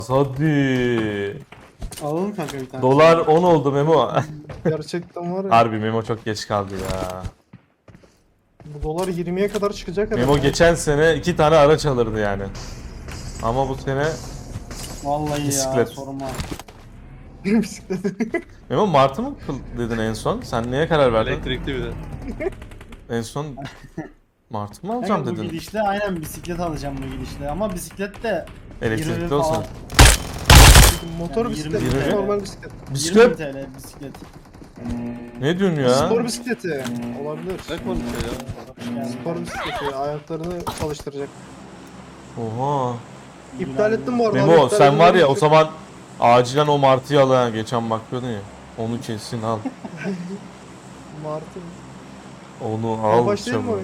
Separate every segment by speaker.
Speaker 1: Hadi.
Speaker 2: Alalım kanka bir tane.
Speaker 1: Dolar 10 oldu Memo.
Speaker 3: Gerçekten var ya.
Speaker 1: Harbi Memo çok geç kaldı ya.
Speaker 3: Bu dolar 20'ye kadar çıkacak herhalde.
Speaker 1: Memo geçen sene 2 tane araç alırdı yani. Ama bu sene
Speaker 2: Vallahi
Speaker 1: Bisiklet.
Speaker 2: ya sorma.
Speaker 3: Bisiklet.
Speaker 1: Memo Martı mı dedin en son? Sen neye karar verdin?
Speaker 4: Elektrikli bir de.
Speaker 1: En son Martı mı
Speaker 2: Kanka
Speaker 1: alacağım
Speaker 2: bu
Speaker 1: dedin?
Speaker 2: gidişle aynen bisiklet alacağım bu gidişle. Ama bisiklet de 20
Speaker 1: Elektrikli
Speaker 2: falan.
Speaker 1: olsun.
Speaker 3: Motor
Speaker 2: Yani
Speaker 3: bisiklet,
Speaker 1: 20.
Speaker 3: normal bisiklet.
Speaker 2: 20
Speaker 1: Bisiklet?
Speaker 2: TL bisiklet.
Speaker 1: Ne diyorsun ya?
Speaker 3: Spor bisikleti olabilir.
Speaker 4: Ne konuşuyor ya?
Speaker 2: Yani
Speaker 3: Spor bisikleti ayaklarını çalıştıracak.
Speaker 1: Oha.
Speaker 3: İptal ettim bu arada.
Speaker 1: Memo
Speaker 3: İptal
Speaker 1: sen var ya
Speaker 3: edilmemiş.
Speaker 1: o zaman acilen o Martı'yı al ha. Geçen bakıyordun ya. Onu kesin al.
Speaker 3: Martı.
Speaker 1: Onu al
Speaker 3: Baş değil mi o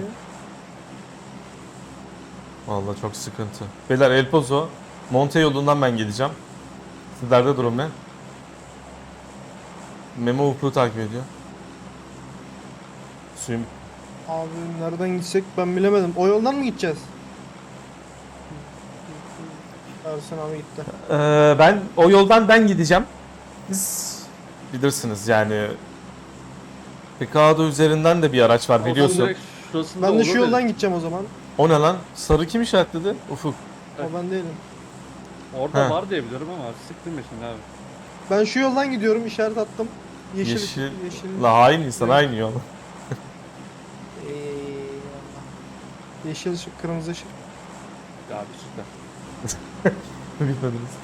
Speaker 1: çabuk.
Speaker 3: ya?
Speaker 1: Vallahi çok sıkıntı. Beyler El Pozo, Monte yolundan ben gideceğim. Sizlerde durum ne? Memo Ufuk'u takip ediyor. Suyum.
Speaker 3: Abi nereden gitsek ben bilemedim. O yoldan mı gideceğiz? Ersin abi gitti.
Speaker 1: Ben o yoldan ben gideceğim. Siz bilirsiniz yani. Pekado üzerinden de bir araç var biliyorsun.
Speaker 4: Direkt şurasında
Speaker 3: Ben de şu
Speaker 4: olur
Speaker 3: yoldan
Speaker 4: dedi.
Speaker 3: gideceğim o zaman.
Speaker 1: O ne lan? Sarı kim işaretledi? Ufuk.
Speaker 3: O ben değilim.
Speaker 4: Orada
Speaker 1: He.
Speaker 4: var diye biliyorum ama sıktım ya şimdi abi.
Speaker 3: Ben şu yoldan gidiyorum, işaret attım. Yeşil.
Speaker 1: Yeşil.
Speaker 3: Yeşil.
Speaker 1: La hain insan aynı yol.
Speaker 3: Eyvallah. Yeşil ışık, kırmızı ışık.
Speaker 4: Ya abi süper.
Speaker 1: Bitmediniz.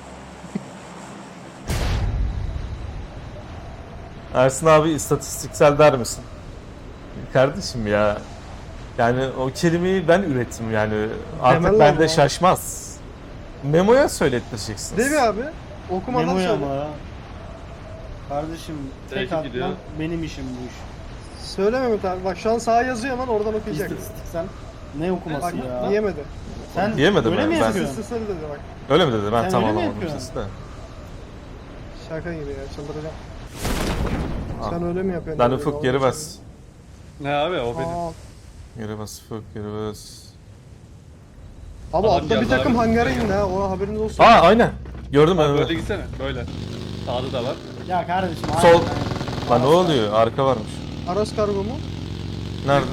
Speaker 1: Ersin abi istatistiksel der misin? Kardeşim ya. Yani o kelimeyi ben ürettim yani. Artık
Speaker 3: Demel
Speaker 1: bende
Speaker 3: ama.
Speaker 1: şaşmaz. Memo'ya söylettireceksiniz.
Speaker 3: Değil mi abi? Okumadan
Speaker 2: Memo'ya
Speaker 3: söyle.
Speaker 2: ama ya. Kardeşim tek
Speaker 4: Değişik gidiyor.
Speaker 2: atman benim işim bu iş.
Speaker 3: Söyle Mehmet abi. Bak şu an sağa yazıyor hemen oradan okuyacak.
Speaker 2: İstatistiksel ne okuması
Speaker 3: Bak
Speaker 2: ya?
Speaker 3: diyemedi.
Speaker 2: Sen
Speaker 1: Diyemedi
Speaker 2: öyle
Speaker 1: mi?
Speaker 2: mi
Speaker 1: Ben-
Speaker 2: yapıyorsun?
Speaker 3: Sesleri dedi bak.
Speaker 1: Öyle mi dedi? Ben
Speaker 2: Sen
Speaker 1: tam
Speaker 2: öyle mi
Speaker 1: anlamadım
Speaker 2: yapıyorsun?
Speaker 1: sesi de.
Speaker 3: Şaka gibi ya, çıldıracağım.
Speaker 1: Ah.
Speaker 3: Sen öyle mi yapıyorsun?
Speaker 1: Lan
Speaker 3: dedi,
Speaker 1: Ufuk
Speaker 3: doğru
Speaker 1: geri bas.
Speaker 3: söylüyor.
Speaker 4: Ne abi o benim.
Speaker 3: Aa,
Speaker 1: Geri bas Ufuk geri bas.
Speaker 3: Abi
Speaker 4: Adam
Speaker 3: altta bir
Speaker 4: geldi
Speaker 3: takım
Speaker 4: abi.
Speaker 3: hangara indi ha. O haberiniz olsun.
Speaker 1: Aa aynen. Gördüm
Speaker 4: Abi
Speaker 1: ben.
Speaker 4: böyle gitsene böyle. Sağda da var.
Speaker 2: Ya kardeşim.
Speaker 1: Sol.
Speaker 2: aynen.
Speaker 1: Lan ne oluyor? Arka varmış.
Speaker 3: Aras kargo mu?
Speaker 1: Nerede?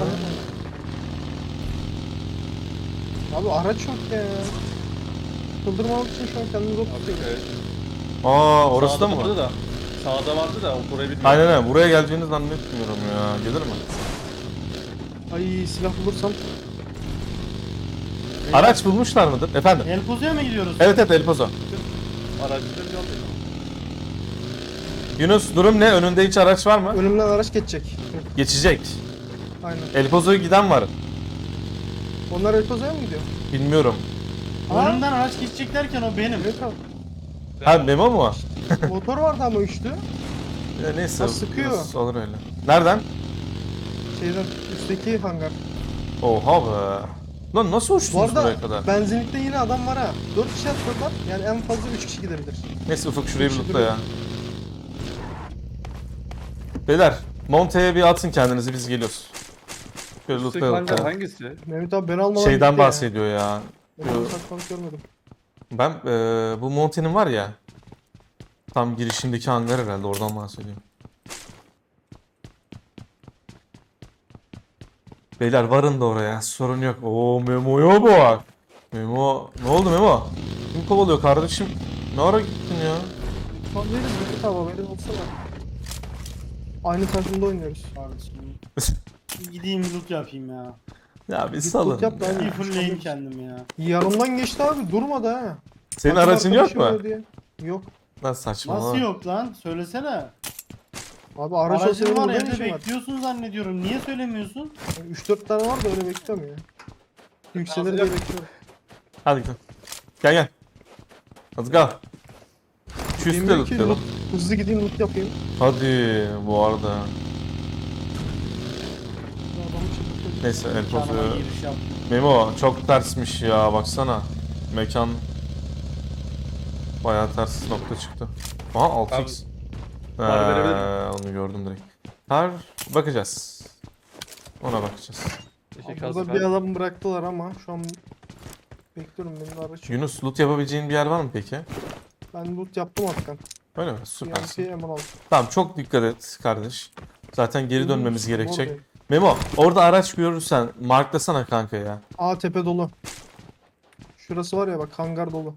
Speaker 3: Abi araç yok ya. Çıldırmamak için şu an kendimi zor
Speaker 4: Abi
Speaker 3: tutuyorum.
Speaker 4: evet.
Speaker 1: Aa orası da
Speaker 4: Sağda
Speaker 1: mı var?
Speaker 4: vardı da. Sağda vardı da o burayı bilmiyorum.
Speaker 1: Aynen aynen. Buraya geleceğini zannetmiyorum ya. Gelir mi?
Speaker 3: Ay silah bulursam.
Speaker 1: Araç bulmuşlar mıdır? Efendim?
Speaker 2: El Pozo'ya mı gidiyoruz?
Speaker 1: Evet evet El Pozo.
Speaker 4: Aracıları yolluyor.
Speaker 1: Yunus durum ne? Önünde hiç araç var mı?
Speaker 3: Önümden araç geçecek.
Speaker 1: Geçecek.
Speaker 3: Aynen.
Speaker 1: El Pozo'ya giden var.
Speaker 3: Onlar El Pozo'ya mı gidiyor?
Speaker 1: Bilmiyorum.
Speaker 2: Önümden araç geçecek derken o benim.
Speaker 3: Evet abi.
Speaker 1: Ha Memo mu?
Speaker 3: Motor vardı ama üçlü.
Speaker 1: Ya neyse.
Speaker 3: Ha, sıkıyor.
Speaker 1: biraz olur öyle. Nereden?
Speaker 3: Şeyden üstteki hangar.
Speaker 1: Oha be. Lan nasıl
Speaker 3: Bu
Speaker 1: uçtunuz
Speaker 3: arada
Speaker 1: buraya kadar?
Speaker 3: benzinlikte yine adam var ha. 4 kişi atladılar. Yani en fazla 3 kişi gidebilir.
Speaker 1: Neyse Ufuk şurayı bir
Speaker 3: Üçü
Speaker 1: lootla ya. Beyler Monte'ye bir atın kendinizi biz geliyoruz. Şöyle
Speaker 4: Üstteki
Speaker 1: lootlayalım.
Speaker 4: hangar
Speaker 1: ya.
Speaker 4: hangisi?
Speaker 3: Mehmet abi beni almadan
Speaker 1: Şeyden
Speaker 3: gitti ya.
Speaker 1: bahsediyor ya.
Speaker 3: Ben onu saklamak görmedim.
Speaker 1: Ben bu Monte'nin var ya. Tam girişindeki hangar herhalde oradan bahsediyor. Beyler varın da oraya sorun yok. Oo Memo'ya bak. Memo ne oldu Memo? Kim kovalıyor kardeşim? Ne ara gittin ya?
Speaker 3: Tamam veririz Mehmet abi haberin olsa da. Aynı takımda oynuyoruz.
Speaker 2: Kardeşim. Gideyim loot yapayım ya.
Speaker 1: Ya bir
Speaker 3: Git
Speaker 1: salın.
Speaker 3: loot yap da
Speaker 1: ya.
Speaker 3: hadi.
Speaker 2: Bir fulleyim kendim ya.
Speaker 3: Yanımdan geçti abi durmadı ha.
Speaker 1: Senin
Speaker 3: Takım
Speaker 1: aracın yok
Speaker 3: arkadaşım
Speaker 1: mu?
Speaker 3: var diye. Yok.
Speaker 1: Lan saçma.
Speaker 2: Nasıl yok lan? Söylesene.
Speaker 3: Abi araç olsa
Speaker 2: Aracın
Speaker 3: benim
Speaker 2: var
Speaker 3: burada ne
Speaker 2: evde
Speaker 3: işim var?
Speaker 2: bekliyorsun zannediyorum. Niye söylemiyorsun?
Speaker 3: 3-4 tane var da öyle bekliyorum ya. Yükselir diye bekliyorum.
Speaker 1: Hadi gidelim. Gel gel. Hadi gel. Şu üstte
Speaker 3: Bilmiyorum ki
Speaker 1: lootlayalım.
Speaker 3: loot, hızlı gideyim loot yapayım.
Speaker 1: Hadi bu arada.
Speaker 3: Adamı çıldırtıyor.
Speaker 1: Neyse el
Speaker 2: Canıma
Speaker 1: pozu.
Speaker 2: giriş yap.
Speaker 1: Memo çok tersmiş ya baksana. Mekan bayağı ters nokta çıktı. Aha 6x.
Speaker 4: Var, verebilir
Speaker 1: Onu gördüm direkt. Har bakacağız. Ona bakacağız.
Speaker 4: Teşekkür
Speaker 3: Burada
Speaker 4: ederim.
Speaker 3: bir adam bıraktılar ama şu an Bekliyorum benim de araç.
Speaker 1: Yunus loot yapabileceğin bir yer var mı peki?
Speaker 3: Ben loot yaptım Atakan.
Speaker 1: Öyle mi? Süpersin.
Speaker 3: TNT hemen aldım.
Speaker 1: Tamam çok dikkat et kardeş. Zaten geri dönmemiz
Speaker 3: Oradayım.
Speaker 1: gerekecek. Memo orada araç görürsen marklasana kanka ya.
Speaker 3: Aa tepe dolu. Şurası var ya bak hangar dolu.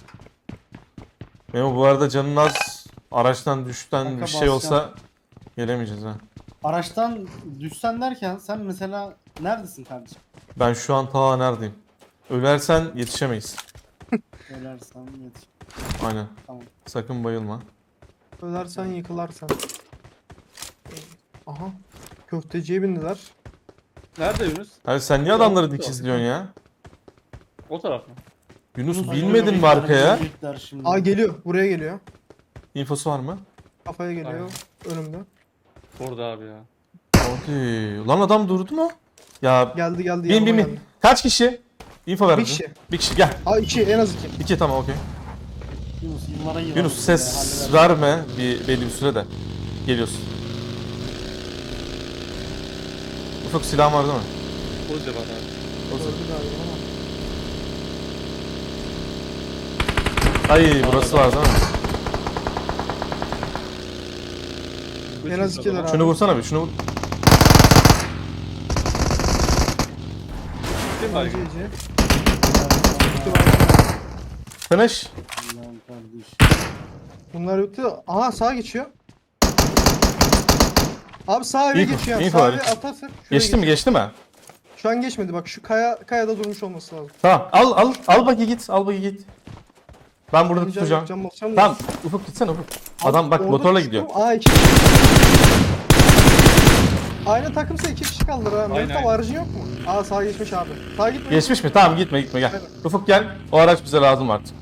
Speaker 1: Memo bu arada canın az. Araçtan düşten
Speaker 2: Kanka
Speaker 1: bir şey olsa
Speaker 2: basacağım.
Speaker 1: gelemeyeceğiz ha.
Speaker 2: Araçtan düşsen derken sen mesela neredesin kardeşim?
Speaker 1: Ben şu an ta neredeyim? Ölersen yetişemeyiz.
Speaker 2: Ölersen yetiş.
Speaker 1: Aynen.
Speaker 2: Tamam.
Speaker 1: Sakın bayılma.
Speaker 3: Ölersen yıkılarsan. Aha. Köfteciye bindiler.
Speaker 4: Nerede Yunus?
Speaker 1: Hayır sen niye adamları dikizliyorsun ya?
Speaker 4: O taraf mı?
Speaker 1: Yunus
Speaker 2: Hayır,
Speaker 1: binmedin mi
Speaker 2: büyükler,
Speaker 1: arkaya?
Speaker 2: büyükler şimdi.
Speaker 3: Aa geliyor. Buraya geliyor.
Speaker 1: İnfosu var mı?
Speaker 3: Kafaya geliyor. Önümde.
Speaker 4: Orada abi ya.
Speaker 1: Hadi. Lan adam durdu mu? Ya
Speaker 3: Geldi geldi.
Speaker 1: bin bin
Speaker 3: yanıma
Speaker 1: bin.
Speaker 3: geldi.
Speaker 1: Kaç kişi? İnfo ver.
Speaker 3: Bir
Speaker 1: bize.
Speaker 3: kişi.
Speaker 1: Bir kişi gel.
Speaker 3: Aa 2 en az 2.
Speaker 1: 2 tamam okey.
Speaker 2: Yunus yıllara yıllar.
Speaker 1: Yunus ses verme belli bir sürede. Geliyorsun. Ufuk silahın var değil mi?
Speaker 4: Koca var abi.
Speaker 3: Öldü galiba ama.
Speaker 1: Ay burası var değil mi?
Speaker 3: En az 2 lira.
Speaker 1: Şunu vursana bir şunu vur.
Speaker 4: Kim var?
Speaker 3: GG.
Speaker 1: Finish.
Speaker 2: Lan kardeş.
Speaker 3: Bunlar yoktu. Aha sağa geçiyor. Abi sağ eve
Speaker 1: İnfo,
Speaker 3: geçiyor.
Speaker 1: info
Speaker 3: Sağ
Speaker 1: ver.
Speaker 3: eve atarsak. şuraya
Speaker 1: Geçti mi
Speaker 3: geçiyor.
Speaker 1: geçti mi?
Speaker 3: Şu an geçmedi bak şu kayada durmuş olması lazım.
Speaker 1: Tamam al bakayım git al bakayım git. Ben burada tutacağım.
Speaker 3: Cam basacağım da-
Speaker 1: Tamam Ufuk gitsene Ufuk. Adam bak
Speaker 3: Orada
Speaker 1: motorla
Speaker 3: çıktım.
Speaker 1: gidiyor.
Speaker 3: Aa 2 Aynı takımsa 2 kişi kaldılar ha.
Speaker 4: Aynen,
Speaker 3: Mehmet abi
Speaker 4: aynen.
Speaker 3: aracın yok mu? Aa sağa geçmiş abi. Sağa gitme.
Speaker 1: Geçmiş mi? Tamam gitme gel.
Speaker 3: Evet.
Speaker 1: Ufuk gel. O araç bize lazım artık.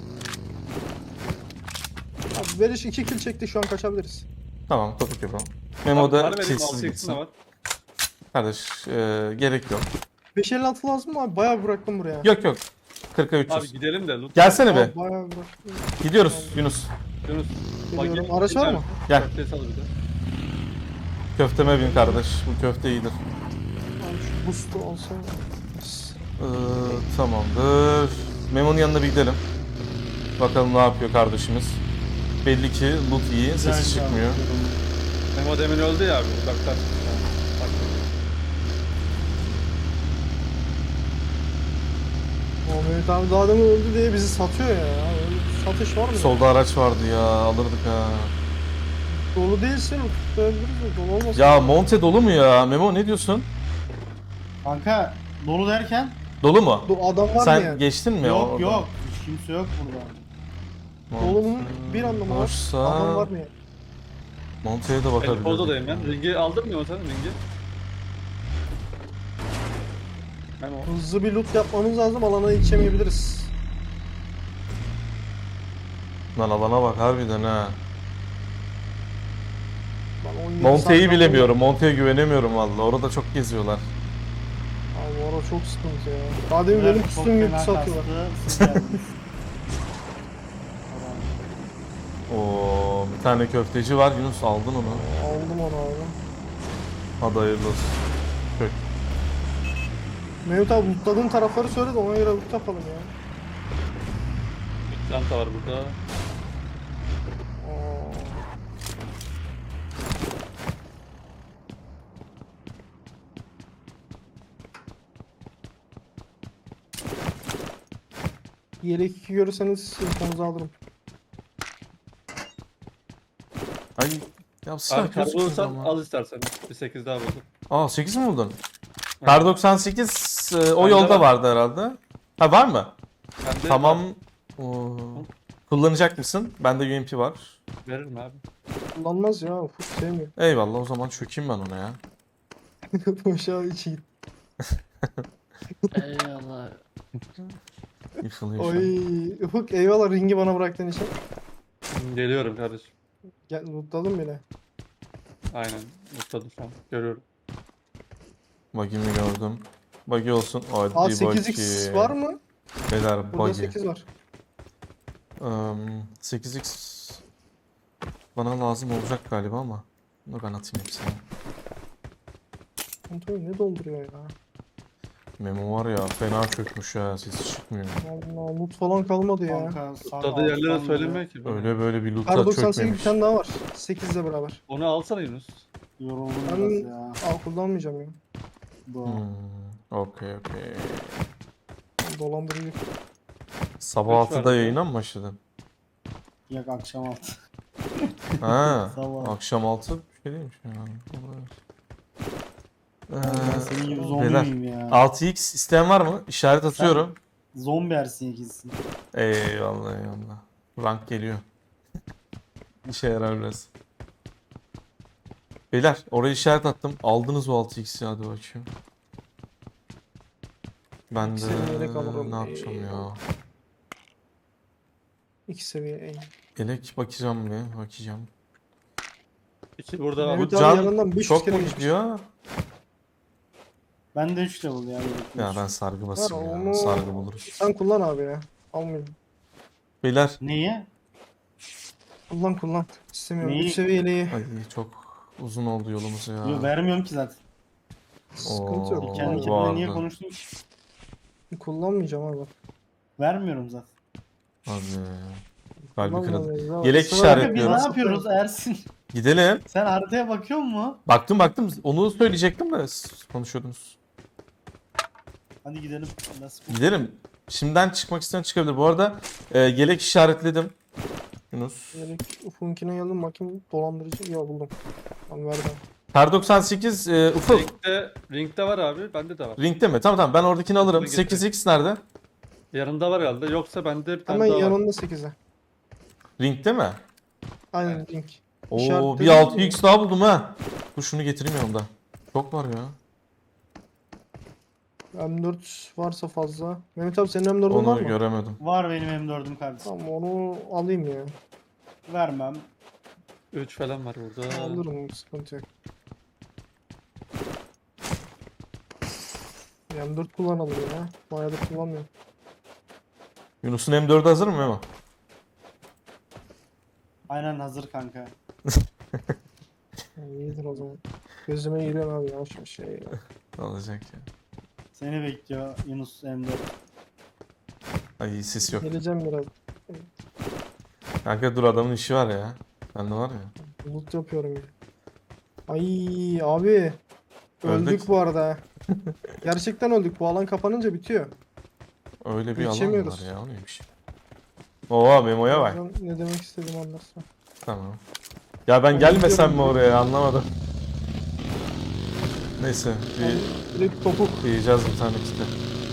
Speaker 3: Abi Veriş 2 kill çekti şu an kaçabiliriz.
Speaker 1: Tamam topuk yapalım. Memo da kilsiz
Speaker 4: kilsiz
Speaker 1: gitsin.
Speaker 4: var.
Speaker 1: Kardeş gerek yok.
Speaker 3: 556 lazım mı abi? Bayağı bıraktım buraya.
Speaker 1: Yok yok. 40'a 300.
Speaker 4: Abi gidelim de loot.
Speaker 1: Gelsene be.
Speaker 3: Abi bayağı bıraktım.
Speaker 1: Gidiyoruz Yunus.
Speaker 4: Yunus.
Speaker 3: Geliyorum.
Speaker 4: Bak,
Speaker 3: Araç var mı?
Speaker 1: Gel.
Speaker 4: Köftesi al bir de.
Speaker 1: Köfteme bin kardeş. Bu köfte iyidir.
Speaker 3: Abi şu boost'u olsa.
Speaker 1: Tamamdır. Memo'nun yanına bir gidelim. Bakalım ne yapıyor kardeşimiz. Belli ki loot iyi. Sesi çıkmıyor.
Speaker 4: Memo demin öldü ya abi. Uzaktan. Bak.
Speaker 3: O Mehmet abi daha demin öldü diye bizi satıyor ya. Öyle bir satış var mı?
Speaker 1: Solda araç vardı ya. Alırdık ha.
Speaker 3: Dolu değilsin. Tutabiliriz de dolu olmasın.
Speaker 1: Ya Monte dolu mu ya? Memo ne diyorsun?
Speaker 2: Kanka dolu derken
Speaker 1: Dolu mu?
Speaker 3: Adam var mı
Speaker 1: Sen
Speaker 3: yani?
Speaker 1: geçtin mi?
Speaker 2: yok
Speaker 1: oradan?
Speaker 2: yok. Hiç kimse yok burada.
Speaker 3: Dolu'nun bir anlamı var.
Speaker 1: Boşsa-
Speaker 3: Adam var mı yani?
Speaker 1: Monte'ye de
Speaker 4: El
Speaker 1: bakabiliriz.
Speaker 4: Pozo'dayım ben. Ringi aldın mı sen ringi? Memo.
Speaker 3: Hızlı bir loot yapmamız lazım. Alana yetişemeyebiliriz.
Speaker 1: Lan alana bak harbiden ha.
Speaker 3: Ben 17
Speaker 1: Monte'yi
Speaker 3: saat
Speaker 1: bilemiyorum. Monte'ye güvenemiyorum valla. Orada çok geziyorlar.
Speaker 3: Abi bu ara çok sıkıntı ya. Daha demin benim
Speaker 2: Çok
Speaker 3: üstüm gibi
Speaker 2: fena
Speaker 3: satıyorlar.
Speaker 2: kastı, siz geldiniz.
Speaker 1: Oo, bir tane köfteci var. Yunus aldın onu.
Speaker 3: Aldım onu abi.
Speaker 1: Hadi hayırlı olsun. Kök.
Speaker 3: Mehmet abi lootladığın tarafları söyle de ona göre loot yapalım ya.
Speaker 4: Bir çanta var burada.
Speaker 3: Aa. Yelek 2 görürseniz infonuzu alırım.
Speaker 1: Ay ya silah
Speaker 4: Abi kar
Speaker 1: gözükmüyor
Speaker 4: bulursan
Speaker 1: ama.
Speaker 4: al istersen. Bir 8 daha buldum.
Speaker 1: Aa 8 mi buldun? Kar 98 o
Speaker 4: Bende
Speaker 1: yolda
Speaker 4: var.
Speaker 1: vardı herhalde. Ha var mı?
Speaker 4: Bende
Speaker 1: Tamam. Oo. Kullanacak mısın? Bende UMP var.
Speaker 4: veririm abi.
Speaker 3: Kullanmaz ya. Ufuk sevmiyor.
Speaker 1: Eyvallah o zaman çökeyim ben ona ya.
Speaker 3: Boşa içi git.
Speaker 2: Eyvallah.
Speaker 1: Yıkılıyor şu an.
Speaker 3: Oy. Ufuk eyvallah ringi bana bıraktığın için.
Speaker 4: Geliyorum kardeşim.
Speaker 3: Gel lootladım bile.
Speaker 4: Aynen. Mutladım şu an. Görüyorum.
Speaker 1: Buggy'mi gördüm. Buggy olsun. Hadi
Speaker 3: Aa
Speaker 1: buggy.
Speaker 3: 8x var mı?
Speaker 1: Beyler
Speaker 3: Burada
Speaker 1: buggy.
Speaker 3: 8 var.
Speaker 1: 8x bana lazım olacak galiba ama. Bunu ben atayım hepsini.
Speaker 3: Kontrol ne dolduruyor ya?
Speaker 1: Memo var ya fena çökmüş ya, sesi çıkmıyor.
Speaker 3: Allah loot falan kalmadı ya.
Speaker 2: Kanka sağ
Speaker 4: Tadı yerlere
Speaker 2: alttan
Speaker 4: söylemiyor ki.
Speaker 1: Öyle böyle bir loot'a
Speaker 3: Kar 98 bir
Speaker 1: çökmemiş.
Speaker 3: tane daha var. 8'le beraber.
Speaker 4: Onu alsana Yunus.
Speaker 2: yoruldum
Speaker 3: Ben
Speaker 2: biraz ya.
Speaker 3: kullanmayacağım ya.
Speaker 2: Bu.
Speaker 1: Okey.
Speaker 3: Dolandırıcı.
Speaker 1: Sabah
Speaker 4: Kaç
Speaker 1: 6'da
Speaker 4: verdi?
Speaker 1: yayına mı başladın?
Speaker 2: Yak akşam altı.
Speaker 1: Ha,
Speaker 2: Sabah.
Speaker 1: akşam 6 bir şey değilmiş ya.
Speaker 2: Ben senin gibi zombi
Speaker 1: beyler,
Speaker 2: miyim ya?
Speaker 1: 6x isteyen var mı? İşaret atıyorum.
Speaker 2: Zombi ersin ikisi.
Speaker 1: Eyvallah. Rank geliyor. İşe yarar biraz. Beyler oraya işaret attım. Aldınız o 6x'i, hadi bakayım. Ben de
Speaker 3: İkisini yedek alırım.
Speaker 1: ne yapacağım ya?
Speaker 3: 2 seviye en.
Speaker 1: Elek bakacağım.
Speaker 4: İki burada var.
Speaker 3: Evet
Speaker 1: Bu
Speaker 3: abi,
Speaker 1: can
Speaker 3: yanından 500
Speaker 1: çok
Speaker 3: kere
Speaker 1: mu
Speaker 3: geçmiş.
Speaker 1: gidiyor?
Speaker 2: Ben de 3 level ya.
Speaker 1: Ya ben sargı basayım ya.
Speaker 3: onu-
Speaker 1: Sargı buluruz.
Speaker 3: Sen kullan abi ya. Almayayım.
Speaker 1: Beyler
Speaker 2: Neyi?
Speaker 3: Kullan. İstemiyorum.
Speaker 2: Neyi?
Speaker 3: 3 seviyeliği.
Speaker 1: ay çok uzun oldu yolumuz ya.
Speaker 2: Yo, vermiyorum ki zaten.
Speaker 3: Sıkıntı yok.
Speaker 1: Oo,
Speaker 2: Kendi
Speaker 1: bu
Speaker 2: kendime niye
Speaker 1: arada.
Speaker 2: konuştum ki?
Speaker 3: Kullanmayacağım abi.
Speaker 2: Vermiyorum zaten.
Speaker 1: Hadi. Kalbi kırıldı.
Speaker 3: Kullanmayacağız abi.
Speaker 1: Yelek
Speaker 3: Sıra-
Speaker 1: işaret-
Speaker 2: Kanka biz ne
Speaker 1: Bekliyoruz.
Speaker 2: yapıyoruz Ersin?
Speaker 1: Gidelim.
Speaker 2: Sen haritaya bakıyor musun?
Speaker 1: Baktım. Onu söyleyecektim de siz konuşuyordunuz.
Speaker 2: Hadi gidelim. Nasıl?
Speaker 1: Gidelim. Şimdiden çıkmak isteyen çıkabilir. Bu arada yelek işaretledim. Yunus.
Speaker 3: Yelek Ufuk'unkine geldim bakayım dolandırıcı. Ya buldum. Tamam verdim.
Speaker 1: Kar 98 Ufuk.
Speaker 4: Ring'de var abi. Bende de var.
Speaker 1: Ring'de mi? Tamam ben oradakini alırım.
Speaker 4: Ring'de getir.
Speaker 1: 8x nerede?
Speaker 4: Yanında var herhalde. Yoksa bende bir tane
Speaker 3: Hemen
Speaker 4: daha var.
Speaker 3: yanında 8'e.
Speaker 1: Ring'de mi?
Speaker 3: Aynen link.
Speaker 1: Oo
Speaker 3: İşaretledim
Speaker 1: bir 6x daha buldum ha. Dur şunu getireyim yanımda. Çok var ya.
Speaker 3: M4 varsa fazla. Mehmet abi senin M4'ün var
Speaker 1: Onu
Speaker 3: mı?
Speaker 1: göremedim.
Speaker 2: Var benim M4'üm kardeşim.
Speaker 3: Tamam onu alayım ya.
Speaker 2: Vermem.
Speaker 4: 3 falan var burada.
Speaker 3: Alırım sıkıntı yok. M4 kullanalım ya. Bayağıdır kullanmıyorum.
Speaker 1: Yunus'un M4'ü hazır mı Memo?
Speaker 2: Aynen hazır kanka.
Speaker 3: Yani iyidir o zaman. Gözüme giriyor abi yavaş bir şey.
Speaker 1: Alacak ya.
Speaker 2: Seni bekliyor Yunus M4.
Speaker 1: Ay sis yok.
Speaker 3: Geleceğim biraz.
Speaker 1: Kanka dur adamın işi var ya. Bende var ya.
Speaker 3: Loot yapıyorum ya. Ay abi. Öldük
Speaker 1: Öldük.
Speaker 3: bu arada. Gerçekten öldük. Bu alan kapanınca bitiyor.
Speaker 1: Öyle bir alan mı
Speaker 3: Geçemiyoruz.
Speaker 1: var ya, o neymiş? Oha Memo'ya bak.
Speaker 3: Ben ne demek istediğimi anlarsın.
Speaker 1: Tamam. Ya ben gelmesem mi oraya, anlamadım. Neyse
Speaker 3: Direkt topuk.
Speaker 1: yiyeceğiz bir tane işte.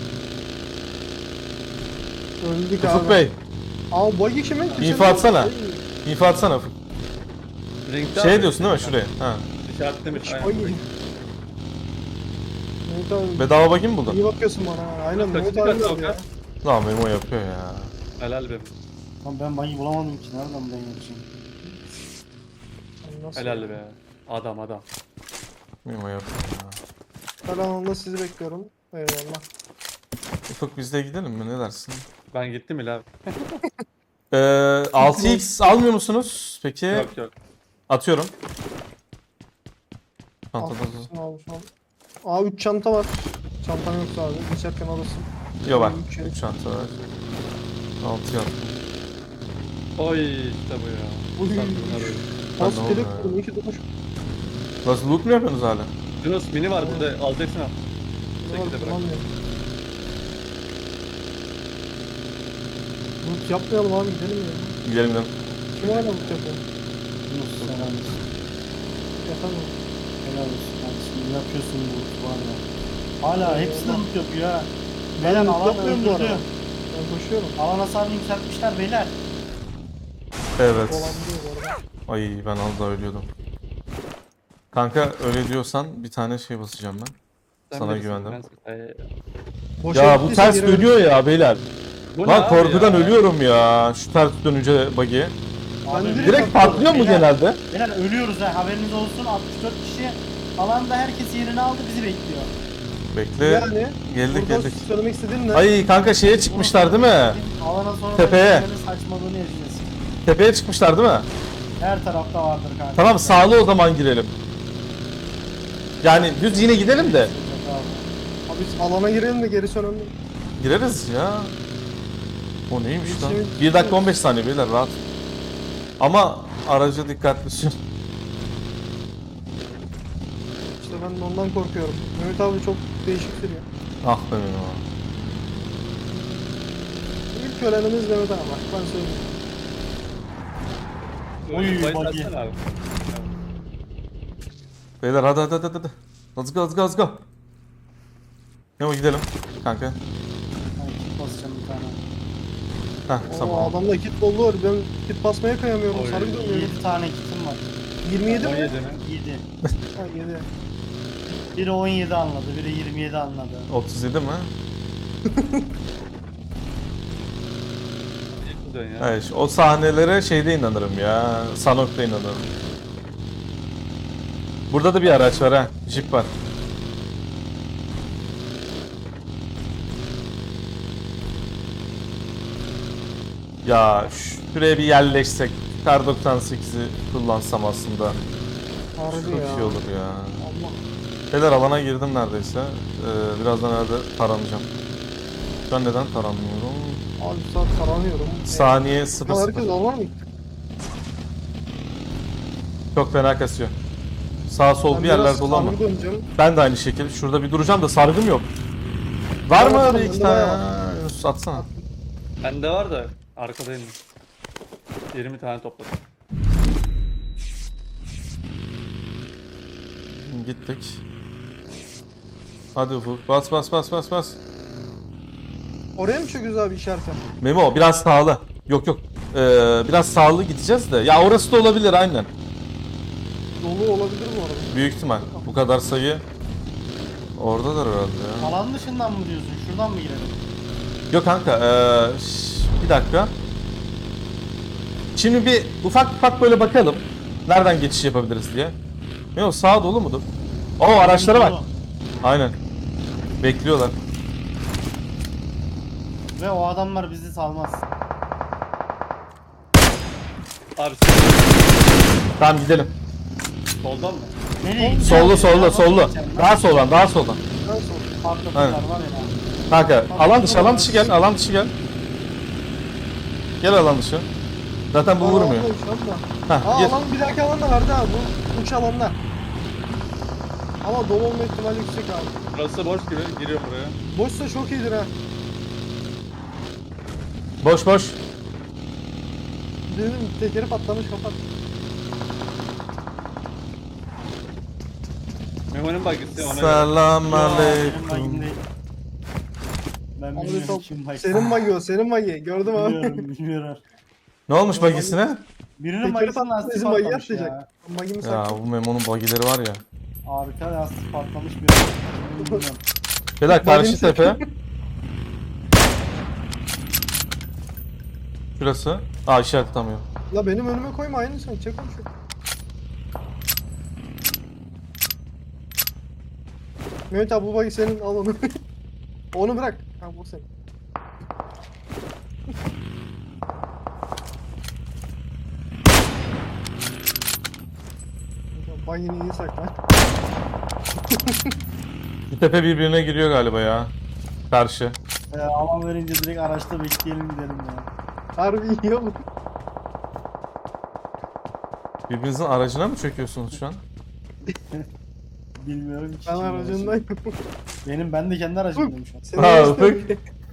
Speaker 3: Öldük abi.
Speaker 1: Ufuk Bey,
Speaker 3: Aa buggy kimin?
Speaker 1: İnfo atsana. info atsana Ufuk.
Speaker 4: Ring'de
Speaker 1: Şey
Speaker 4: abi.
Speaker 1: diyorsun değil mi şuraya? Ha.
Speaker 4: İşaretlemiş. Aynen.
Speaker 3: Buggy. Mehmet abi.
Speaker 1: Bedava bakayım mı buldun?
Speaker 3: İyi bakıyorsun bana. ha. Aynen
Speaker 4: Kaçıncı
Speaker 3: Mehmet abi
Speaker 4: kat
Speaker 3: nerede ya?
Speaker 1: Lan Memo yapıyor ya.
Speaker 4: Helal be.
Speaker 2: Lan ben bayı bulamadım ki. Nereden ben yapacağım?
Speaker 3: Ay, nasıl
Speaker 4: Helal
Speaker 3: ya?
Speaker 4: be. Adam.
Speaker 1: Memo yapıyor ya.
Speaker 3: Ben alanında sizi bekliyorum. Eyvallah.
Speaker 1: Ufuk biz de gidelim mi, ne dersin?
Speaker 4: Ben gittim ile abi.
Speaker 1: 6x almıyor musunuz? Peki
Speaker 4: Yok.
Speaker 1: atıyorum. Çantada da.
Speaker 3: Almışsın abi şu an. Aa 3 çanta var. Çantam yoksa abi. Geçerken alırsın.
Speaker 1: Yok var.
Speaker 3: Üç şey.
Speaker 1: 3 çanta var. 6 yaptım.
Speaker 4: Oy işte bu ya.
Speaker 3: Uy.
Speaker 4: Bunlar öyle.
Speaker 3: Pas
Speaker 1: ne
Speaker 3: gerek
Speaker 1: oldu ya?
Speaker 3: kurdum. İyi ki durmuş.
Speaker 1: Nasıl loot mu yapıyorsunuz hala?
Speaker 4: Yunus mini var burada. Alacaksın al.
Speaker 3: Ne var,
Speaker 4: Şekilde bırak.
Speaker 3: kullanmıyorum. Loot yapmayalım abi gidelim ya.
Speaker 1: Gidelim gidelim.
Speaker 3: Kim hala loot yapıyor?
Speaker 2: Yunus helal olsun.
Speaker 3: Yapamam.
Speaker 2: Helal olsun kardeşim. Ne yapıyorsun bu var ya. Hala hepsi de loot yapıyor ha. Beyler
Speaker 3: loot
Speaker 2: alan
Speaker 3: yapmıyorum bu
Speaker 2: öldürdü.
Speaker 3: arada. Ben koşuyorum.
Speaker 2: Alan hasarını yükseltmişler beyler.
Speaker 1: Evet.
Speaker 3: Dolandırıyor bu arada.
Speaker 1: Ay ben az daha ölüyordum. Kanka öyle diyorsan bir tane şey basacağım ben.
Speaker 4: Sen
Speaker 1: Sana
Speaker 4: bilirsin,
Speaker 1: güvendim.
Speaker 3: Boşa
Speaker 1: Ya bu
Speaker 3: gittiyse
Speaker 1: ters
Speaker 3: geri
Speaker 1: dönüyor ya beyler.
Speaker 4: Bu ne
Speaker 1: Lan
Speaker 4: abi
Speaker 1: korkudan
Speaker 4: ya?
Speaker 1: ölüyorum ya. Şu ters dönünce buggy.
Speaker 2: Abi,
Speaker 3: direkt
Speaker 1: Direkt patlıyor mu
Speaker 2: Beyler,
Speaker 1: genelde?
Speaker 2: Beyler ölüyoruz ha haberiniz olsun. 64 kişi alanda herkes yerini aldı bizi bekliyor.
Speaker 1: Bekle.
Speaker 3: Yani
Speaker 1: Geldik
Speaker 3: buradan
Speaker 1: geldik.
Speaker 3: söylemek istediğin ne?
Speaker 1: Ay kanka şeye çıkmışlar değil mi?
Speaker 2: Alana sonra
Speaker 1: Tepeye.
Speaker 2: saçmalığını yaşayacağız.
Speaker 1: Tepeye çıkmışlar değil mi?
Speaker 2: Her tarafta vardır kanka.
Speaker 1: Tamam sağlı o zaman girelim. Yani düz yine gidelim de.
Speaker 3: Abi Biz alana girelim de gerisi önemli.
Speaker 1: Gireriz ya. O neymiş lan?
Speaker 3: Şimdi-
Speaker 1: 1 dakika 15 saniye beyler rahat. Ama araca dikkatli sür.
Speaker 3: İşte ben de ondan korkuyorum. Mehmet abi çok değişik sürüyor.
Speaker 1: Ah be benim abi.
Speaker 3: İlk ölenimiz Mehmet abi bak ben söyleyeyim.
Speaker 2: Oy,
Speaker 4: Bayit
Speaker 2: buggy.
Speaker 4: atsana abi.
Speaker 1: Beyler hadi. Let's go. Memo gidelim kanka.
Speaker 2: Ben kit basacağım bir tane.
Speaker 1: Heh
Speaker 3: O
Speaker 1: tamam.
Speaker 3: adamda kit bollu var. Ben kit basmaya kıyamıyorum.
Speaker 4: Oy.
Speaker 3: Sarı dönüyorum.
Speaker 2: 7 tane kitim var.
Speaker 3: 27 mi?
Speaker 4: 17 mi?
Speaker 2: 7.
Speaker 3: Ha 7.
Speaker 2: Biri 17 anladı, biri 27 anladı.
Speaker 1: 37 mi?
Speaker 4: İlk dön ya.
Speaker 1: Evet, o sahnelere şeyde inanırım ya. Sanok'ta inanırım. Burada da bir araç var ha. Jeep var. Ya şuraya bir yerleşsek. Kar 98'i kullansam aslında.
Speaker 3: Harbi
Speaker 1: Çok
Speaker 3: ya.
Speaker 1: iyi olur ya.
Speaker 3: Allah.
Speaker 1: Beyler alana girdim neredeyse. Birazdan herhalde taranacağım. Ben neden taranmıyorum?
Speaker 3: Abi saat taranıyorum.
Speaker 1: Saniye
Speaker 3: Herkes
Speaker 1: 0-0.
Speaker 3: alana mı?
Speaker 1: Çok fena kasıyor. Sağ sol
Speaker 3: Ben
Speaker 1: bir yerler
Speaker 3: biraz
Speaker 1: dolu ama.
Speaker 3: sargı döneceğim.
Speaker 1: Ben de aynı şekilde. Şurada bir duracağım da sargım yok. Var mı
Speaker 3: Bakalım,
Speaker 1: bir iki
Speaker 3: bende
Speaker 1: tane?
Speaker 3: bayağı
Speaker 1: Yunus atsana.
Speaker 4: Bende var da arkadayım. 20 tane topladım.
Speaker 1: Gittik. Hadi Ufuk. Bas.
Speaker 3: Oraya mı çöküyoruz abi işareten?
Speaker 1: Memo biraz sağlı. Yok. Biraz sağlı gideceğiz de. Ya orası da olabilir aynen.
Speaker 3: Dolu olabilir mi orada?
Speaker 1: Büyük ihtimal. Bu kadar sayı. Oradadır herhalde ya.
Speaker 2: Alan dışından mı diyorsun? Şuradan mı girelim?
Speaker 1: Yok kanka. Bir dakika. Şimdi bir ufak böyle bakalım. Nereden geçiş yapabiliriz diye. Memo sağa dolu mudur? Oo araçlara bak.
Speaker 2: Dolu.
Speaker 1: Aynen. Bekliyorlar.
Speaker 2: Ve o adamlar bizi salmaz.
Speaker 4: Abi
Speaker 1: Tamam gidelim.
Speaker 4: soldan mı?
Speaker 2: Nereye gideceğim?
Speaker 1: Sollu. Daha soldan.
Speaker 3: Ben sonra.
Speaker 2: Patlatılar
Speaker 1: Aynen.
Speaker 2: var ya.
Speaker 1: Kanka alan dışı gel. Gel alan dışı. Zaten bu vurmuyor. Heh,
Speaker 3: Aa
Speaker 1: gir.
Speaker 3: alan bir dahaki alan da vardı abi. Bu uç alanlar. Ama dolu olma ihtimali yüksek abi.
Speaker 4: Burası boş gibi. Giriyorum buraya.
Speaker 3: Boşsa çok iyidir ha.
Speaker 1: Boş.
Speaker 3: Dedim tekeri patlamış kapat.
Speaker 4: Memo'nun bagisi ona göre.
Speaker 1: Selam
Speaker 2: Benim
Speaker 1: aleyküm.
Speaker 2: bagim değil. Ben
Speaker 3: Abi
Speaker 2: bilmiyorum
Speaker 3: top,
Speaker 2: kim bagi.
Speaker 3: senin magi o, senin magi. Gördüm abi.
Speaker 2: Bilmiyorum.
Speaker 1: Ne olmuş bagisine?
Speaker 2: Birinin
Speaker 3: Tekeri
Speaker 2: magisinin
Speaker 3: patladı
Speaker 2: lastiği
Speaker 3: bizim magi
Speaker 2: patlamış ya.
Speaker 3: atlayacak. Magimi
Speaker 1: Ya
Speaker 3: saklı.
Speaker 1: bu Memo'nun bagileri var ya.
Speaker 2: Harika lastik patlamış bir bilmiyorum.
Speaker 1: Beyler karşı
Speaker 3: Bagim
Speaker 1: tepe. Şurası. Aa işaret tutamıyor.
Speaker 3: La benim önüme koyma aynı sen çek onu şu. Mehmet abi bu bagi senin al onu. Onu bırak. Ha bu senin. Bagini iyi sakla.
Speaker 1: Bu tepe birbirine giriyor galiba ya. Karşı.
Speaker 2: Alan verince direkt araçta bekleyelim gidelim ya.
Speaker 3: Harbi iyi olur.
Speaker 1: Birbirinizin aracına mı çöküyorsunuz şu an?
Speaker 2: Bilmiyorum ki.
Speaker 3: Ben
Speaker 2: kim
Speaker 3: aracındayım.
Speaker 2: Ben de kendi aracımdayım şu an.
Speaker 3: Seni
Speaker 1: Ha,
Speaker 3: arasındayım.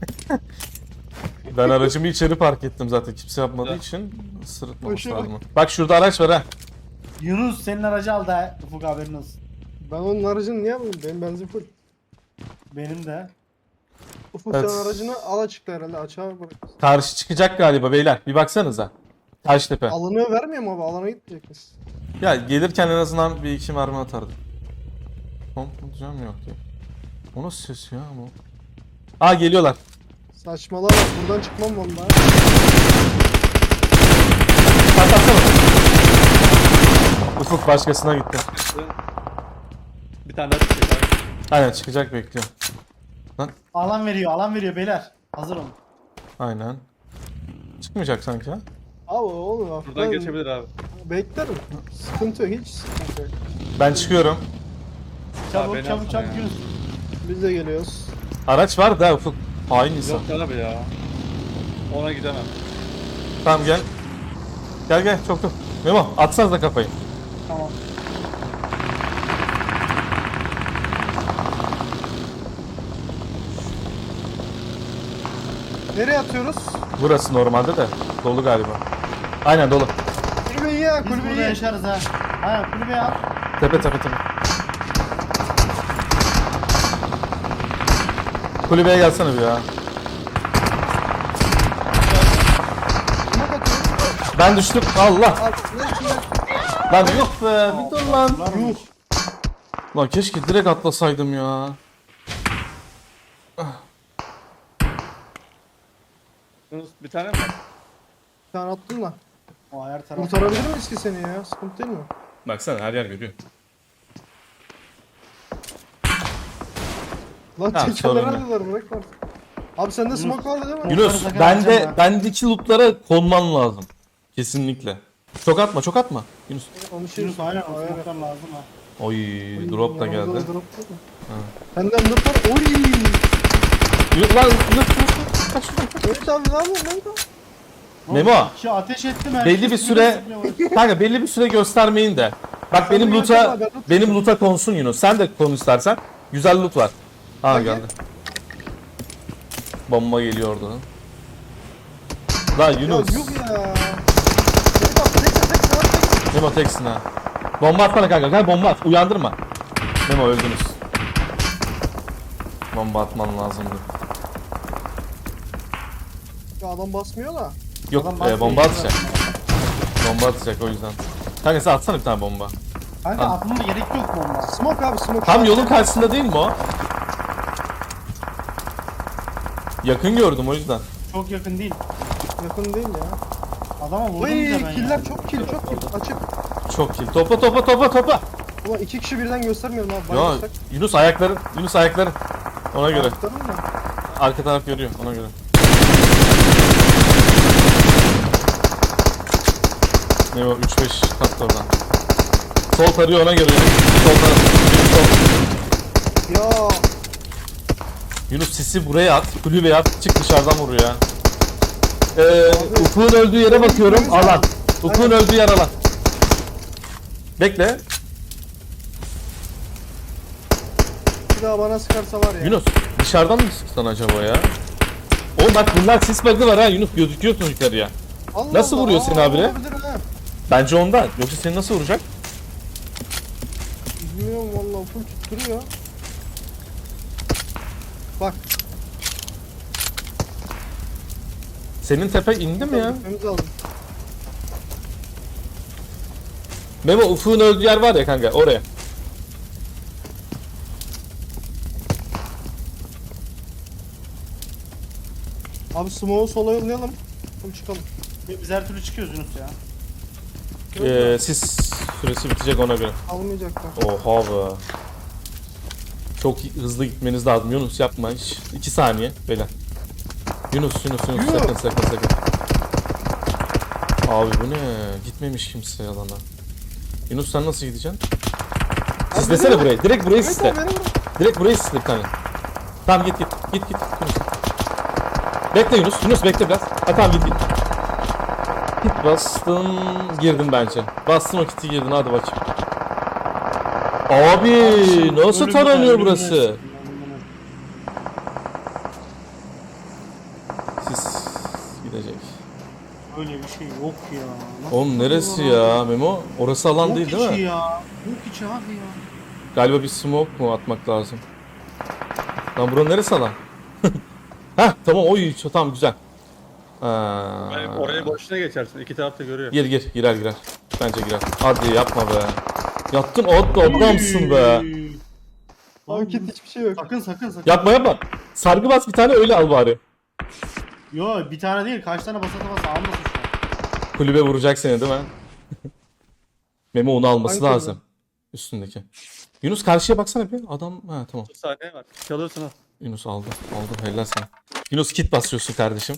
Speaker 1: Ben aracımı içeri park ettim zaten kimse yapmadığı
Speaker 4: Güzel.
Speaker 1: için sırıtmaması
Speaker 3: Hoşuna bak.
Speaker 1: lazım. Bak şurada araç var ha.
Speaker 2: Yunus senin aracı aldı ha. Ufuk haberin olsun.
Speaker 3: Ben onun aracını niye alayım? Benim benzin full.
Speaker 2: Benim de.
Speaker 3: Ufuk
Speaker 1: Evet.
Speaker 3: sen aracını al açıkta herhalde açığa bırak.
Speaker 1: Karşı çıkacak galiba beyler. Bir baksanıza. Karşı tepe.
Speaker 3: Alanı vermiyor mu abi? Alana gitmeyecek misin?
Speaker 1: Ya gelirken en azından bir iki mermi atardım. Pompalacağım yok diye. O nasıl ses ya bu? Aa geliyorlar.
Speaker 3: Saçmalama bak buradan çıkmam vallahi.
Speaker 1: Patlatsana. Ufuk başkasına gitti.
Speaker 4: Bir tane daha çıkacak abi.
Speaker 1: Aynen çıkacak bekliyorum.
Speaker 2: Alan veriyor beyler. Hazır olun.
Speaker 1: Aynen. Çıkmayacak sanki ha.
Speaker 3: Abi oğlum bak.
Speaker 4: Buradan geçebilir abi.
Speaker 3: Beklerim. Sıkıntı yok hiç sıkıntı yok.
Speaker 1: Ben çıkıyorum.
Speaker 2: Çabuk
Speaker 4: beni
Speaker 2: çabuk
Speaker 4: alsana
Speaker 2: çabuk
Speaker 4: ya.
Speaker 2: Yunus.
Speaker 3: Biz de geliyoruz.
Speaker 1: Araç var da Ufuk. Hain insan.
Speaker 4: Yok abi ya. Ona gidemem.
Speaker 1: Tamam gel. Gel çok. Memo atsanız da kafayı.
Speaker 2: Tamam.
Speaker 3: Nereye atıyoruz?
Speaker 1: Burası normalde de dolu galiba. Aynen dolu.
Speaker 3: Kulübeyi ya,
Speaker 2: Biz burada
Speaker 3: kulübeyi.
Speaker 2: yaşarız ha. Aynen kulübeye at.
Speaker 1: Tepe. Kulübeye gelsene bir ya.
Speaker 3: Smoke atıyoruz.
Speaker 1: Ben düştüm. Allah.
Speaker 3: Al, ne içinde?
Speaker 1: Lan yok be. Bir dur lan.
Speaker 2: Yuh.
Speaker 1: Lan keşke direkt atlasaydım ya.
Speaker 4: Yunus bir tane mi var?
Speaker 3: Bir tane attın da.
Speaker 2: O her taraf.
Speaker 3: Kurtarabilir miyiz ki seni ya? Sıkıntı değil mi?
Speaker 1: Baksana her yer görüyor.
Speaker 3: Lan
Speaker 1: Ha,
Speaker 3: tekerler
Speaker 1: sorun yok.
Speaker 3: aldılar, bırak var. Abi sende smoke vardı değil mi?
Speaker 1: Yunus
Speaker 2: sakın atacağım ben.
Speaker 1: bendeki lootlara konman lazım. Kesinlikle. Çok atma. Yunus.
Speaker 3: Onu şey
Speaker 2: Yunus aynen o smoke'lar lazım ha.
Speaker 1: Oy drop da
Speaker 3: Yanımda
Speaker 1: geldi.
Speaker 3: da drop değil mi? Benden drop var. Oy!
Speaker 1: Yunus lan Yunus. Kaç şuradan.
Speaker 3: Evet abi ne yapıyorsun lan?
Speaker 1: Memo.
Speaker 2: Şu ateş ettim her
Speaker 1: Belli bir süre kanka belli bir süre göstermeyin de. Bak
Speaker 3: Sen
Speaker 1: benim
Speaker 3: de
Speaker 1: loot'a
Speaker 3: görsene abi, ben
Speaker 1: benim loot'a konsun Yunus. Sen de konu istersen. Güzel loot var. Ha
Speaker 3: Hadi.
Speaker 1: geldi. Bomba geliyor oradan. Lan
Speaker 3: Ya
Speaker 1: Yunus.
Speaker 3: yok ya. Tek bak, tek.
Speaker 1: Memo teksin ha. Bomba atsana kanka. Gel bomba at. Uyandırma. Memo öldünüz. Bomba atman lazımdı.
Speaker 3: Ya adam basmıyor da.
Speaker 1: Yok
Speaker 2: Adam basmıyor,
Speaker 1: bomba
Speaker 2: güzel.
Speaker 1: atacak. Bomba atacak o yüzden. Kanka sen atsana bir tane bomba.
Speaker 2: Kanka
Speaker 1: Ha.
Speaker 2: atmama gerek yok bomba.
Speaker 3: Smoke abi smoke.
Speaker 1: Tam yolun karşısında değil mi o? Yakın gördüm o yüzden.
Speaker 2: Çok yakın değil.
Speaker 3: Yakın değil ya.
Speaker 2: Adama vurdum
Speaker 3: Oy
Speaker 2: bile ben
Speaker 3: killer
Speaker 2: ya.
Speaker 3: çok kill. Açık.
Speaker 1: Çok kill. Topa.
Speaker 3: Ulan iki kişi birden göstermiyorum abi.
Speaker 1: Ya
Speaker 3: Bayılırsak.
Speaker 1: Yunus ayakların. Ona göre.
Speaker 3: Tutalım mı?
Speaker 1: Arka taraf görüyor ona göre. Ne o 3-5 kat oradan. Sol tarıyor ona göre. Sol taraf. Sol.
Speaker 3: Ya
Speaker 1: Yunus sisi buraya at. Kulübeye at. Çık dışarıdan vur ya. Ufuk'un öldüğü yere bakıyorum. Alan. Ufuk'un öldüğü yer alan. Bekle.
Speaker 3: bir daha bana sıkarsa var ya.
Speaker 1: Yunus dışarıdan mı sıksan acaba ya? Oğlum bak bunlar sis bug'ı var ha Yunus gözüküyorsun yukarıya.
Speaker 3: Allah
Speaker 1: Nasıl
Speaker 3: Allah,
Speaker 1: vuruyor seni abire?
Speaker 3: olabilir ha.
Speaker 1: Bence ondan. Yoksa seni nasıl vuracak?
Speaker 3: Bilmiyorum vallahi full tutturuyor. Bak.
Speaker 1: Senin tepe indi mi ya?
Speaker 3: Gitmemiz lazım.
Speaker 1: Memo Ufuk'un öldüğü yer var ya kanka oraya.
Speaker 3: Abi smoke'u sola yollayalım. Full çıkalım.
Speaker 2: Biz her türlü çıkıyoruz Yunus ya.
Speaker 1: Sis süresi bitecek ona göre.
Speaker 3: Almayacaklar.
Speaker 1: Oha be. Çok hızlı gitmeniz lazım. Yunus yapma hiç. 2 saniye beyler. Yunus
Speaker 3: Yuh.
Speaker 1: sakın. Abi bu ne? Gitmemiş kimse alana. Yunus sen nasıl gideceksin? Sislesene
Speaker 3: beni
Speaker 1: burayı. Direkt burayı
Speaker 3: Evet
Speaker 1: sisle.
Speaker 3: abi beni bırak.
Speaker 1: Direkt burayı sisle bir tane. Tamam git. Yunus. Bekle Yunus bekle biraz. Ha tamam git. Kit bastın, girdin bence. Bastın o kiti girdin hadi bakayım. Abi nasıl
Speaker 2: Ölüm
Speaker 1: taranıyor
Speaker 2: ölüm
Speaker 1: burası?
Speaker 2: ölüm.
Speaker 1: Sis gidecek.
Speaker 2: Öyle bir şey yok ya. Nasıl
Speaker 1: Oğlum neresi
Speaker 2: tutuyorlar
Speaker 1: ya Memo? Orası alan
Speaker 2: abi?
Speaker 1: değil
Speaker 2: Yok
Speaker 1: değil
Speaker 2: içi
Speaker 1: mi?
Speaker 2: ya. Yok içi abi ya.
Speaker 1: Galiba bir smoke mu atmak lazım? Lan buranın neresi alan? Heh tamam oy tamam güzel.
Speaker 4: Yani oraya boşuna geçersin. İki taraf da görüyor.
Speaker 1: Girer. Bence girer. Hadi yapma be. Yattın adamsın be.
Speaker 3: Abi kit hiçbir şey yok.
Speaker 2: Sakın.
Speaker 1: Yapma. Sargı bas bir tane öyle al bari.
Speaker 2: Yo bir tane değil kaç tane basa almasın şu an.
Speaker 1: Kulübe vuracak seni değil mi? Memo onu alması
Speaker 3: Hangi kulübe?
Speaker 1: lazım. Üstündeki. Yunus karşıya baksana bir. Adam ha tamam.
Speaker 4: 30 saniye var. Çalırsın ha.
Speaker 1: Yunus aldı. Helal sana. Yunus kit basıyorsun kardeşim.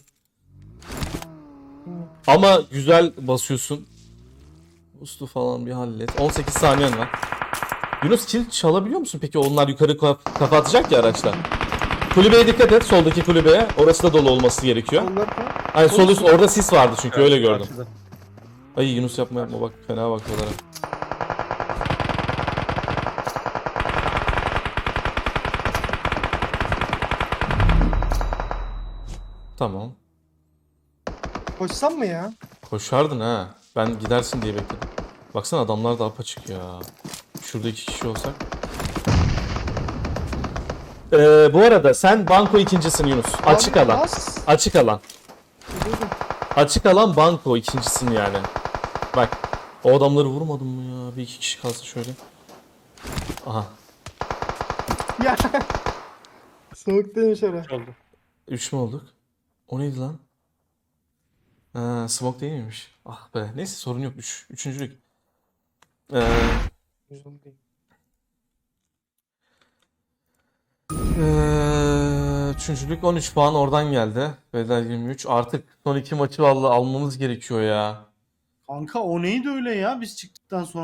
Speaker 1: Ama güzel basıyorsun. Ustu falan bir hallet. 18 saniyen var. Yunus kill çalabiliyor musun peki? Onlar yukarı kafa atacak ya araçlar. Kulübeye dikkat et. Soldaki kulübeye. Orası da dolu olması gerekiyor.
Speaker 3: Onlar mı?
Speaker 1: Ay sol üst orada sis vardı çünkü öyle gördüm.
Speaker 4: Karşıda.
Speaker 1: Ay Yunus yapma bak fena bakıyorlar. Ha. Tamam.
Speaker 3: Koşsam mı ya?
Speaker 1: Koşardın ha. Ben gidersin diye bekledim. Baksana adamlar da apaçık ya. Şurada 2 kişi olsak. Bu arada sen banko ikincisin Yunus. Açık
Speaker 3: Abi,
Speaker 1: alan.
Speaker 3: bas.
Speaker 1: Açık alan.
Speaker 3: Duydum.
Speaker 1: Açık alan banko ikincisin yani. Bak. O adamları vurmadım mı ya? Bir iki kişi kalsın şöyle. Aha.
Speaker 3: Ya. Soğuktaymış ara.
Speaker 4: Üç oldu.
Speaker 1: 3 mü olduk? O neydi lan? Ha, smoke değil miymiş? Ah be. Neyse sorun yok. Üçüncülük. Ee, Üçüncülük 13 puan oradan geldi. Bedel 23. Artık son iki maçı vallahi almamız gerekiyor ya.
Speaker 2: Kanka o neydi öyle ya biz çıktıktan sonra?